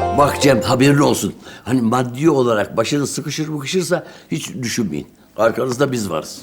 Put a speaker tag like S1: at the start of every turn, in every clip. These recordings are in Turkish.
S1: Bak Cem, haberin olsun. Hani maddi olarak başınız sıkışırsa hiç düşünmeyin. Arkanızda biz varız.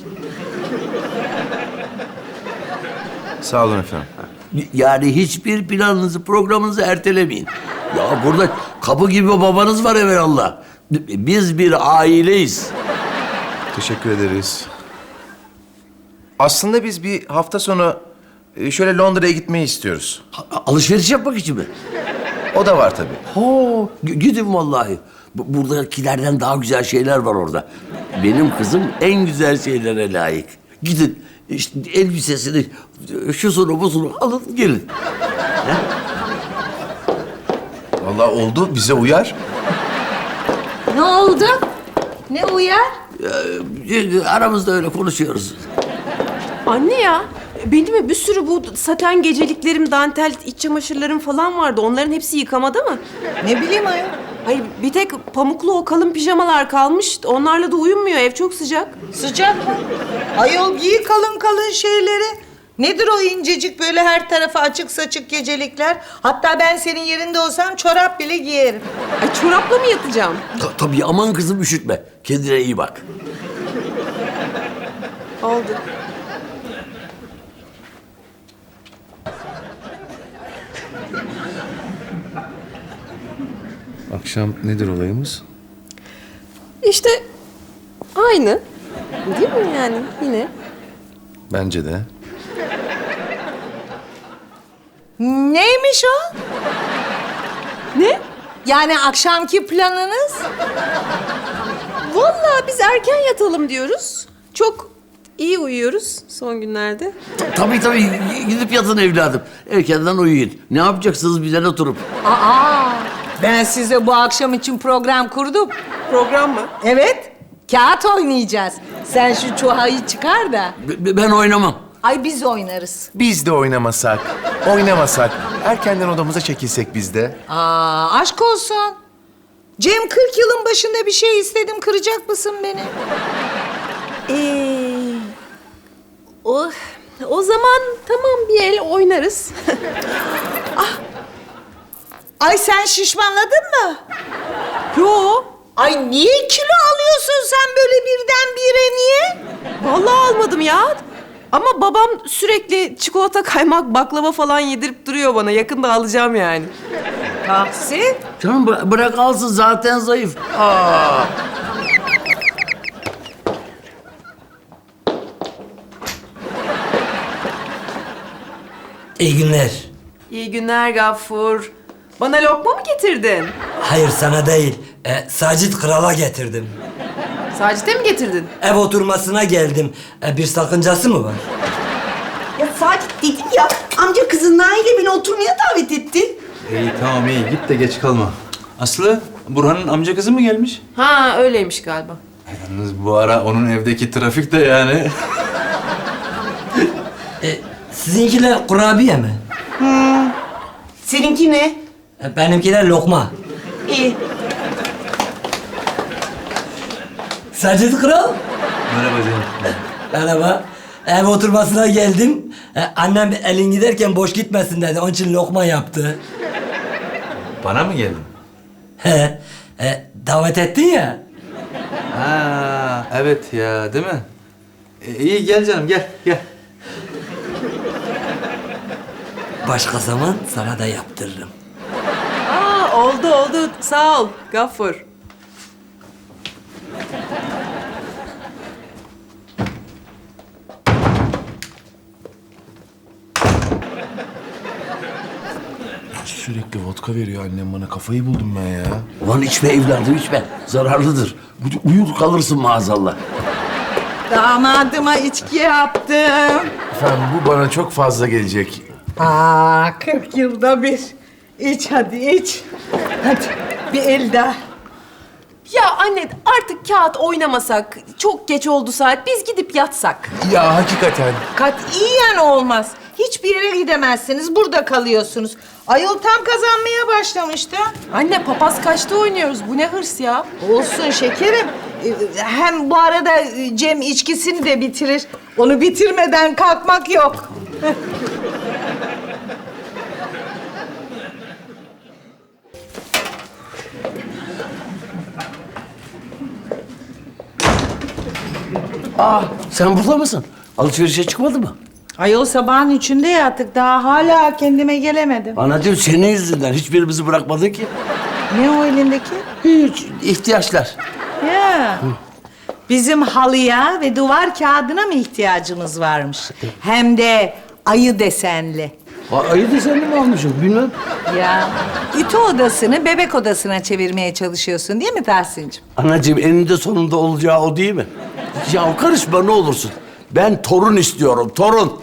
S2: Sağ olun efendim.
S1: Yani hiçbir planınızı, programınızı ertelemeyin. Ya burada kapı gibi babanız var evelallah. Biz bir aileyiz.
S2: Teşekkür ederiz. Aslında biz bir hafta sonu şöyle Londra'ya gitmeyi istiyoruz.
S1: Alışveriş yapmak için mi?
S2: O da var tabii.
S1: Gidin vallahi. Buradakilerden daha güzel şeyler var orada. Benim kızım en güzel şeylere layık. Gidin işte elbisesini, şusunu busunu alın gelin.
S2: Vallahi oldu, bize uyar.
S3: Ne oldu? Ne uyar?
S1: Aramızda öyle konuşuyoruz.
S4: Anne ya, benim bir sürü bu saten geceliklerim, dantel iç çamaşırlarım falan vardı. Onların hepsi yıkamada mı?
S3: Ne bileyim ayol.
S4: Hayır, bir tek pamuklu o kalın pijamalar kalmış. Onlarla da uyumuyor, ev çok sıcak.
S3: Sıcak mı? Ayol giy kalın kalın şeyleri. Nedir o incecik böyle her tarafa açık saçık gecelikler? Hatta ben senin yerinde olsam çorap bile giyerim.
S4: Ay çorapla mı yatacağım?
S1: Tabii aman kızım üşütme. Kendine iyi bak.
S4: Oldu.
S2: Akşam nedir olayımız?
S4: İşte aynı. Değil mi yani yine?
S2: Bence de.
S3: Neymiş o?
S4: Ne?
S3: Yani akşamki planınız?
S4: Vallahi biz erken yatalım diyoruz. Çok iyi uyuyoruz son günlerde.
S1: Tabii gidip yatın evladım. Erkenden uyuyun. Ne yapacaksınız bizden oturup?
S3: Aa, ben size bu akşam için program kurdum.
S4: Program mı?
S3: Evet, kağıt oynayacağız. Sen şu çuhayı çıkar da.
S1: Ben oynamam.
S3: Ay biz oynarız.
S2: Biz de oynamasak, erkenden odamıza çekilsek biz de.
S3: Aa, aşk olsun. Cem 40 yılın başında bir şey istedim, kıracak mısın beni?
S4: O zaman tamam bir el oynarız.
S3: Ay sen şişmanladın mı?
S4: Yo,
S3: Ay niye kilo alıyorsun sen böyle birdenbire niye?
S4: vallahi almadım ya. Ama babam sürekli çikolata, kaymak, baklava falan yedirip duruyor bana. Yakında alacağım yani.
S3: Tahsin.
S1: Canım bırak alsın zaten zayıf.
S5: İyi günler.
S4: İyi günler Gaffur. Bana lokma mı getirdin?
S5: Hayır sana değil. Sacit Kral'a getirdim.
S4: Sacit'e mi getirdin?
S5: Ev oturmasına geldim. Bir sakıncası mı var?
S6: Ya Sacit dedim ya, amca kızın Nail'e beni oturmaya davet etti.
S7: İyi tamam iyi git de geç kalma. Aslı, Burhan'ın amca kızı mı gelmiş?
S4: Ha öyleymiş galiba.
S7: Yalnız bu ara onun evdeki trafik de yani.
S5: Sizinkiler kurabiye mi?
S6: Seninki ne?
S5: Benimkiler lokma.
S6: İyi.
S5: Sacit Kral.
S7: Merhaba canım.
S5: Merhaba. Ev oturmasına geldim. Annem elin giderken boş gitmesin dedi. Onun için lokma yaptı.
S7: Bana mı geldin?
S5: He. Davet ettin ya.
S7: Ha evet ya değil mi? İyi gel canım gel.
S5: Başka zaman sana da yaptırırım.
S4: Oldu. Sağ ol Gaffur.
S2: Sürekli vodka veriyor annem bana. Kafayı buldum ben ya.
S1: Ulan içme evladım içme. Zararlıdır. Uyur kalırsın maazallah.
S3: Damadıma içki yaptım.
S2: Efendim bu bana çok fazla gelecek.
S3: Aa, 40 yılda bir. İç hadi iç. Hadi bir el daha.
S4: Ya anne artık kağıt oynamasak. Çok geç oldu saat. Biz gidip yatsak.
S2: Ya hakikaten.
S3: Katiyen olmaz. Hiçbir yere gidemezsiniz. Burada kalıyorsunuz. Ayol tam kazanmaya başlamıştı.
S4: Anne papaz kaçta oynuyoruz? Bu ne hırs ya?
S3: Olsun şekerim. Hem bu arada Cem içkisini de bitirir. Onu bitirmeden kalkmak yok.
S1: Sen burada mısın? Alışverişe çıkmadı mı?
S3: Ayol sabahın 3'ünde yattık. Daha hala kendime gelemedim.
S1: Anacığım senin yüzünden hiçbirimizi bırakmadın ki.
S3: Ne o elindeki?
S1: Hiç ihtiyaçlar.
S3: Ya. Bizim halıya ve duvar kağıdına mı ihtiyacımız varmış? Hem de ayı desenli.
S1: Ayı desenli mi almışım bilmem.
S3: Ya ütü odasını bebek odasına çevirmeye çalışıyorsun değil mi Tahsin'cim?
S1: Anacığım eninde sonunda olacağı o değil mi? Ya karışma ne olursun. Ben torun istiyorum, torun.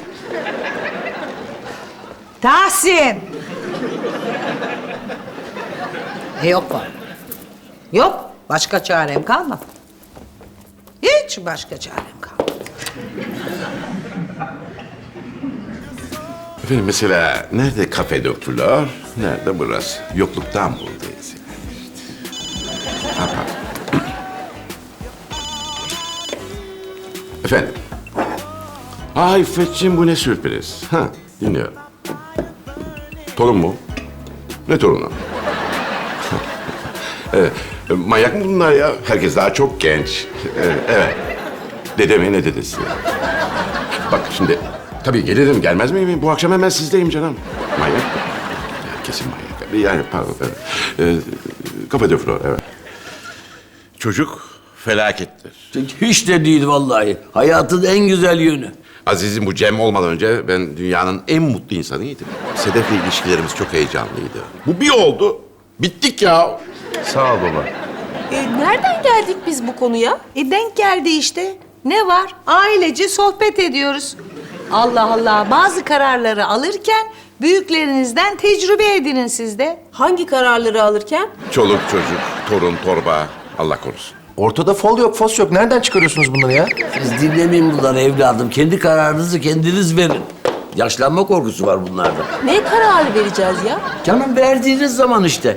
S3: Tahsin! Yok var. Yok. Başka çarem kalmadı. Hiç başka çarem kalmadı.
S8: Efendim mesela nerede kafe doktorlar, nerede burası? Yokluktan buradayız. Ha, pardon. Efendim. Ay İffetciğim bu ne sürpriz. Ha, dinliyorum. Torun mu? Ne torunu? Evet. Manyak mı bunlar ya? Herkes daha çok genç. Evet. Dedeme ne dedesi? Bak şimdi tabii gelirim gelmez miyim? Bu akşam hemen sizdeyim canım. Manyak mı? Ya, kesin manyak. Yani pardon. Evet. Kafe de flor, evet. Çocuk felakettir.
S1: Hiç de değil vallahi. Hayatın en güzel yönü.
S8: Aziz'im bu Cem olmadan önce ben dünyanın en mutlu insanıydım. Sedef'le ilişkilerimiz çok heyecanlıydı. Bu bir oldu. Bittik ya.
S2: Sağ ol baba.
S4: Nereden geldik biz bu konuya?
S3: Denk geldi işte. Ne var? Ailece sohbet ediyoruz. Allah Allah. Bazı kararları alırken büyüklerinizden tecrübe edinin siz de.
S4: Hangi kararları alırken?
S8: Çoluk çocuk, torun torba. Allah korusun.
S2: Ortada fol yok, fos yok. Nereden çıkarıyorsunuz bunları ya?
S1: Siz dinlemeyin bunları evladım. Kendi kararınızı kendiniz verin. Yaşlanma korkusu var bunlarda.
S4: Ne kararı vereceğiz ya?
S1: Canım verdiğiniz zaman işte.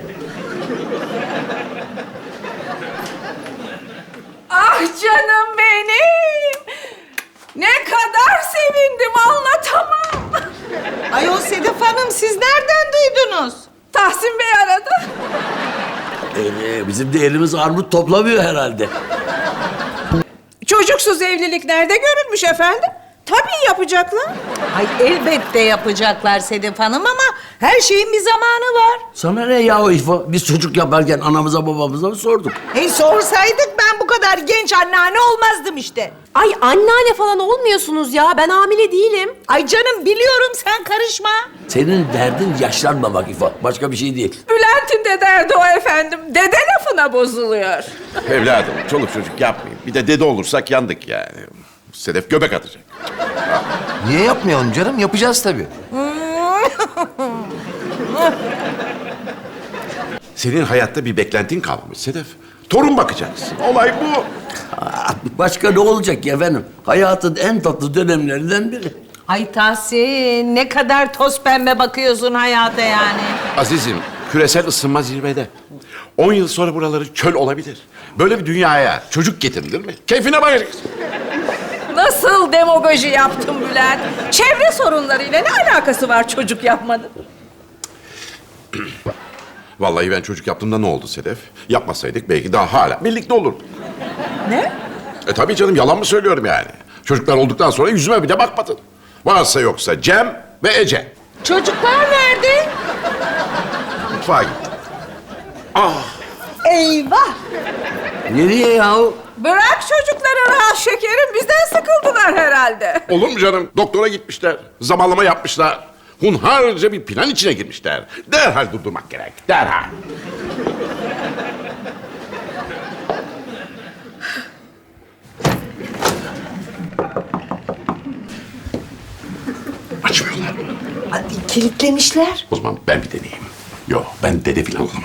S9: Ah canım benim! Ne kadar sevindim anlatamam.
S3: Ayol Sedef Hanım siz nereden duydunuz?
S9: Tahsin Bey aradı.
S1: Bizim de elimiz armut toplamıyor herhalde.
S9: Çocuksuz evlilik nerede görülmüş efendim? Tabii yapacaklar.
S3: Ay elbette yapacaklar Sedef Hanım ama her şeyin bir zamanı var.
S1: Sana ne ya İfo? Biz çocuk yaparken anamıza babamıza mı sorduk?
S3: Sorsaydık ben bu kadar genç anneanne olmazdım işte.
S4: Ay anneanne falan olmuyorsunuz ya. Ben hamile değilim.
S3: Ay canım biliyorum sen karışma.
S1: Senin derdin yaşlanmamak İfo. Başka bir şey değil.
S9: Bülent'in de derdi o efendim. Dede lafına bozuluyor.
S8: Evladım, çoluk çocuk yapmayın. Bir de dede olursak yandık yani. Sedef göbek atacak.
S2: Niye yapmayalım canım? Yapacağız tabii.
S8: Senin hayatta bir beklentin kalmamış Sedef. Torun bakacaksın. Olay bu.
S1: Başka ne olacak ki efendim? Hayatın en tatlı dönemlerinden biri.
S3: Ay Tahsin ne kadar toz pembe bakıyorsun hayata yani.
S8: Azizim, küresel ısınma zirvede. 10 yıl sonra buraları çöl olabilir. Böyle bir dünyaya çocuk getirilir mi? Keyfine bakacaksın.
S9: Nasıl demagoji yaptın Bülent? Çevre sorunlarıyla ne alakası var çocuk yapmanın?
S8: Vallahi ben çocuk yaptığımda ne oldu Sedef? Yapmasaydık belki daha hala birlikte olurduk.
S9: Ne?
S8: Tabii canım, yalan mı söylüyorum yani? Çocuklar olduktan sonra yüzüme bir de bakmadın. Varsa yoksa Cem ve Ece.
S3: Çocuklar nerede?
S8: Mutfağa gitti.
S3: Eyvah.
S1: Nereye yahu?
S9: Bırak çocukları rahat şekerim. Bizden sıkıldılar herhalde.
S8: Olur mu canım? Doktora gitmişler. Zamanlama yapmışlar. Hunharca bir plan içine girmişler. Derhal durdurmak gerek. Derhal. Açmıyorlar.
S3: Ay, kilitlemişler.
S8: O zaman ben bir deneyeyim. Yok, ben dede falan olamam.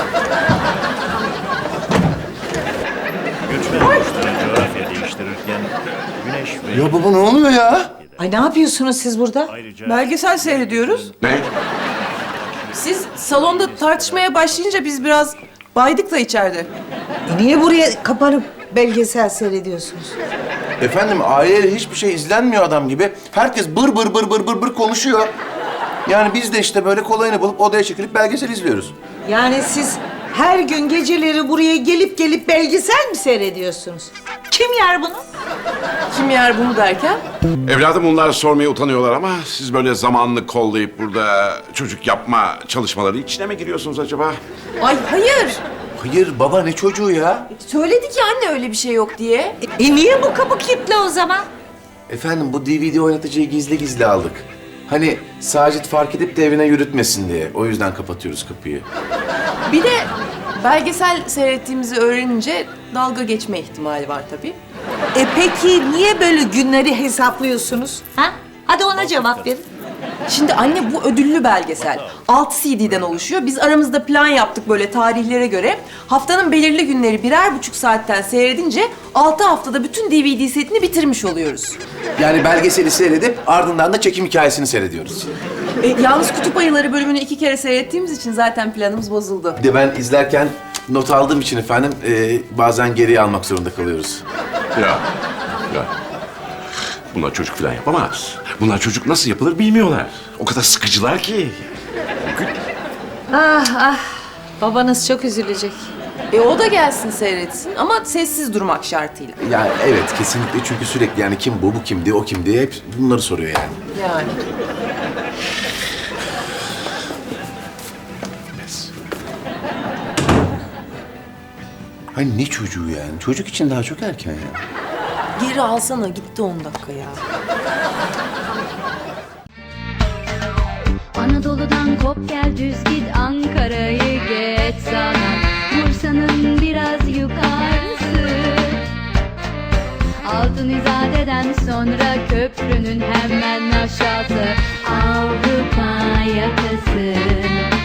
S10: Coğrafya değiştirirken güneş ve
S2: Ya baba ne oluyor ya?
S3: Ay ne yapıyorsunuz siz burada?
S9: Belgesel seyrediyoruz.
S8: Ne?
S4: Siz salonda tartışmaya başlayınca biz biraz baydık da içeride.
S3: Niye buraya kapanıp belgesel seyrediyorsunuz?
S2: Efendim aileyle hiçbir şey izlenmiyor adam gibi. Herkes bır bır bır bır bır bır konuşuyor. Yani biz de işte böyle kolayını bulup odaya çekilip belgesel izliyoruz.
S3: Yani siz her gün geceleri buraya gelip gelip belgesel mi seyrediyorsunuz? Kim yer bunu?
S4: Kim yer bunu derken?
S8: Evladım bunlar sormaya utanıyorlar ama siz böyle zamanını kollayıp burada çocuk yapma çalışmaları içine mi giriyorsunuz acaba?
S4: Ay hayır.
S2: Hayır baba ne çocuğu ya?
S4: Söyledik ya anne öyle bir şey yok diye.
S3: Niye bu kapı kilitli o zaman?
S2: Efendim bu DVD oynatıcıyı gizli gizli aldık. Hani Sacit fark edip de evine yürütmesin diye. O yüzden kapatıyoruz kapıyı.
S4: Bir de belgesel seyrettiğimizi öğrenince dalga geçme ihtimali var tabii.
S3: Peki niye böyle günleri hesaplıyorsunuz? Ha? Hadi ona cevap verin.
S4: Şimdi anne bu ödüllü belgesel. 6 CD'den oluşuyor. Biz aramızda plan yaptık böyle tarihlere göre. Haftanın belirli günleri 1,5 saatten seyredince 6 haftada bütün DVD setini bitirmiş oluyoruz.
S2: Yani belgeseli seyredip ardından da çekim hikayesini seyrediyoruz.
S4: Yalnız Kutup Ayıları bölümünü 2 kere seyrettiğimiz için zaten planımız bozuldu.
S2: Bir de ben izlerken not aldığım için efendim bazen geriye almak zorunda kalıyoruz.
S8: Ya. Bunlar çocuk falan yapamaz. Bunlar çocuk nasıl yapılır bilmiyorlar. O kadar sıkıcılar ki.
S3: Babanız çok üzülecek.
S4: O da gelsin seyretsin ama sessiz durmak şartıyla.
S2: Yani evet kesinlikle çünkü sürekli yani kim bu kimdi, o kimdi hep bunları soruyor yani.
S4: Yani.
S2: Hani ne çocuğu yani? Çocuk için daha çok erken ya.
S4: Geri alsana gitti 10 dakika ya.
S11: Anadolu'dan kop gel düz git Ankara'yı geç sana Bursa'nın biraz yukarısı Altın İzade'den sonra köprünün hemen aşağısı Avrupa yakası